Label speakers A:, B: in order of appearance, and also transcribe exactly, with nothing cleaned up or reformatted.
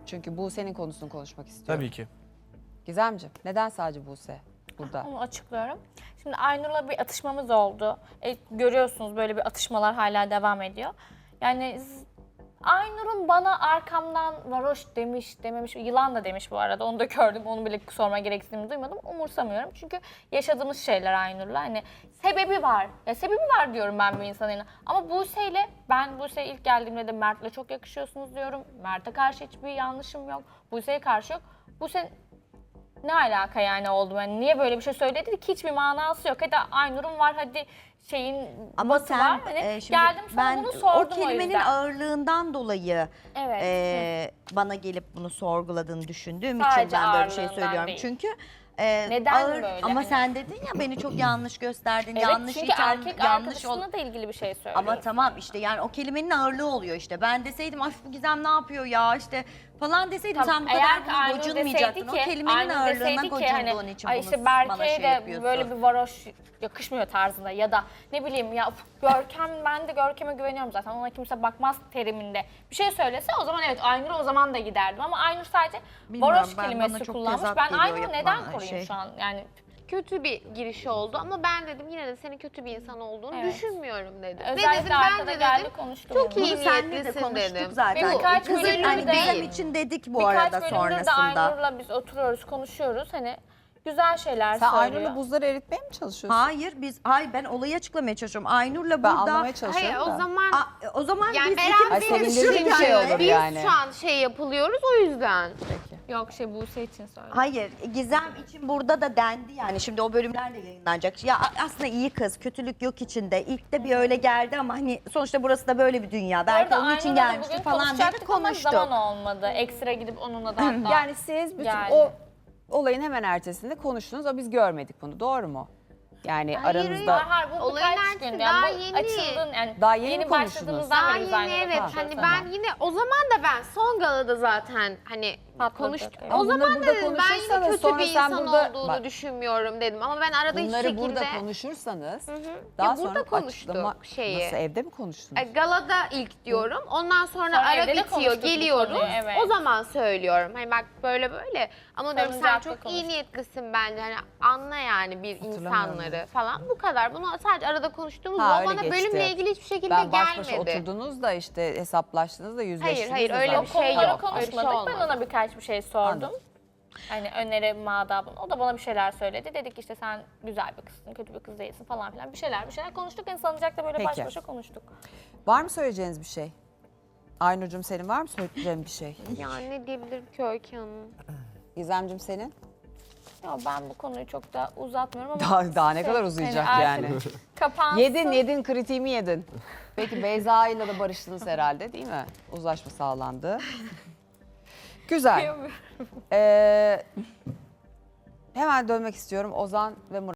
A: Çünkü Buse'nin konusunu konuşmak istiyorum.
B: Tabii ki.
A: Gizemciğim, neden sadece Buse burada?
C: Onu açıklıyorum. Şimdi Aynur'la bir atışmamız oldu. E, görüyorsunuz böyle bir atışmalar hala devam ediyor. Yani z- Aynur'un bana arkamdan varoş demiş, dememiş, yılan da demiş bu arada. Onu da gördüm, onu bile sorma gereksinimi duymadım. Umursamıyorum çünkü yaşadığımız şeyler Aynur'la. Hani sebebi var. Ya sebebi var diyorum ben bir insanın. Ama Buse'yle, ben Buse'ye ilk geldiğimde de Mert'le çok yakışıyorsunuz diyorum. Mert'e karşı hiçbir yanlışım yok. Buse'ye karşı yok. Buse ne alaka yani oldu? Yani niye böyle bir şey söyledi ki hiçbir manası yok. Hadi Aynur'un var, hadi şeyin
D: Ama
C: batı
D: sen
C: var. Hani
D: e, şimdi
C: geldim sana
D: ben
C: bunu sordum
D: o kelimenin
C: yüzden.
D: ağırlığından dolayı
C: Evet.
D: e, bana gelip bunu sorguladığını düşündüğüm
C: Sadece
D: için ben böyle bir şey
C: ağırlığından
D: söylüyorum.
C: değil.
D: Çünkü e,
C: Neden
D: ağır,
C: böyle
D: ama
C: hani?
D: sen dedin ya beni çok yanlış gösterdin,
C: Evet,
D: yanlış
C: çünkü
D: itham,
C: erkek
D: yanlış ol.
C: arkadaşına da ilgili bir şey söylüyor.
D: Ama tamam işte yani o kelimenin ağırlığı oluyor işte. Ben deseydim ay bu Gizem ne yapıyor ya işte falan deseydim
C: Tamam,
D: sen bu
C: eğer
D: kadar
C: ki
D: buna
C: Aynur
D: gocunmayacaktın.
C: deseydi
D: O
C: ki-
D: kelimenin
C: Aynur
D: ağırlığına
C: deseydi ki
D: gocunduğun
C: hani,
D: için
C: ay
D: bunu
C: işte
D: bana
C: Berke'ye
D: şey
C: de
D: yapıyorsun.
C: böyle bir varoş yakışmıyor tarzında ya da ne bileyim ya uf, Görkem, ben de Görkem'e güveniyorum zaten, ona kimse bakmaz teriminde bir şey söylese o zaman evet Aynur'a o zaman da giderdim ama Aynur sadece
D: Bilmiyorum,
C: varoş
D: ben- bana
C: kelimesi
D: çok
C: kullanmış.
D: tezat
C: Ben
D: geliyor
C: Aynur'u
D: yapılan
C: neden koruyayım
D: şey.
C: şu an yani?
E: Kötü bir giriş oldu ama ben dedim yine de senin kötü bir insan olduğunu
C: Evet.
E: düşünmüyorum dedim.
C: Özellikle
E: Ve dedim
C: arkada
E: bence
C: geldi
E: dedim
C: konuştu.
E: çok
C: benimle.
E: iyi
D: Bunu seninle de
E: niyetlisin
D: konuştuk
E: dedim.
D: zaten.
C: Ve birkaç
D: Kızım,
C: bölümde
D: hani
C: de-
D: Gizem için dedik bu
C: Birkaç
D: arada
C: bölümdür de
D: sonrasında.
C: Aynur'la biz oturuyoruz, konuşuyoruz. Hani güzel şeyler
A: Sen
C: söylüyor.
A: Aynur'la buzları eritmeye mi çalışıyorsun?
D: Hayır biz hayır ben olayı açıklamaya çalışıyorum. Aynur'la
A: Ben
D: burada
A: anlamaya çalışıyorum
E: Hayır
A: da.
E: o zaman
D: Aa, o zaman
E: yani
D: biz
E: beraber
A: Ay,
D: ikimiz
A: sevindirici bir şey olur
E: biz
A: yani.
E: şu an şey yapılıyoruz o yüzden.
C: Yok şey Buse için söyledim.
D: Hayır, Gizem için burada da dendi yani şimdi o bölümler de yayınlanacak. Ya aslında iyi kız, kötülük yok içinde. İlk de bir öyle geldi ama hani sonuçta burası da böyle bir dünya. Belki
C: Orada
D: onun için
C: Aynur'la da
D: gelmiştir
C: bugün
D: falan diye
C: konuşacaktık ama
D: konuştuk.
C: zaman olmadı. Ekstra gidip onunla da hatta.
A: Yani siz bütün
C: Geldi.
A: o olayın hemen ertesinde konuştunuz ama biz görmedik bunu. Doğru mu? Yani
E: Hayır,
A: aranızda
C: Hayır, hayır, bu
E: Olayın
C: birkaç
E: ertesi
C: gün.
E: daha
C: Yani bu
E: yeni.
C: açıldın yani
A: Daha yeni mi
C: yeni
A: konuştunuz?
C: başladığımızdan
E: Daha
C: beri biz
E: yeni
C: Aynur'la
E: evet
C: konuşuyoruz.
E: hani
A: tamam.
E: ben yine o zaman da ben son galada zaten hani
C: Patladık,
E: konuştuk.
C: evet.
E: O
A: Ama
E: zaman
A: bunları
E: da
A: burada
E: dedim ben yine
A: konuşursanız
E: kötü
A: sonra
E: bir
A: sen
E: insan
A: burada-
E: olduğunu
A: bak,
E: düşünmüyorum dedim ama ben arada hiçbir
A: bunları
E: şekilde
A: burada konuşursanız
E: Ya
A: daha
E: burada
A: sonra
E: konuştuk
A: açıklama...
E: şeyi.
A: Nasıl, evde mi konuştunuz?
E: E, galada ilk diyorum. Ondan sonra,
C: Sonra
E: ara
C: evde de
E: bitiyor,
C: konuştuk bu
E: geliyoruz.
C: konuyu, evet.
E: O zaman söylüyorum. Hani bak böyle böyle. Ama diyorum sen
C: Salıncakta
E: çok iyi
C: konuştuk.
E: niyetlisin bence. Hani anla yani bir
A: Hatırlamıyorum
E: insanları falan. Bu kadar. Bunu sadece arada konuştuğumuz
A: Ha,
E: o
A: öyle
E: bana
A: geçti.
E: bölümle ilgili hiçbir şekilde
A: Ben baş başa
E: gelmedi.
A: oturdunuz da işte hesaplaştınız da yüzleştiniz
E: hayır,
A: de
E: öyle
A: zaten.
E: bir şey
C: Konuları
E: yok. Öyle bir şey
C: konuşmadık. Ben
E: olmadı.
C: ona birkaç bir şey sordum.
A: Anladım.
C: Hani öneri madabın. O da bana bir şeyler söyledi. Dedik işte sen güzel bir kızsın, kötü bir kız değilsin falan filan. Bir şeyler bir şeyler konuştuk. Yani salıncakta böyle baş
A: Peki.
C: başa konuştuk.
A: Var mı söyleyeceğiniz bir şey? Aynur'cum senin var mı söyleyeceğin bir şey?
E: Ya ne diyebilirim ki Öykü Hanım?
A: Gizem'cim senin?
C: Ya ben bu konuyu çok da uzatmıyorum ama...
A: Daha, daha ne
C: şey,
A: kadar uzayacak
C: hani
A: yani?
C: artık Kapansın.
A: Yedin yedin kritiğimi yedin. Peki Beyza ile de barıştınız herhalde değil mi? Uzlaşma sağlandı. Güzel. Ee, hemen dönmek istiyorum Ozan ve Murat.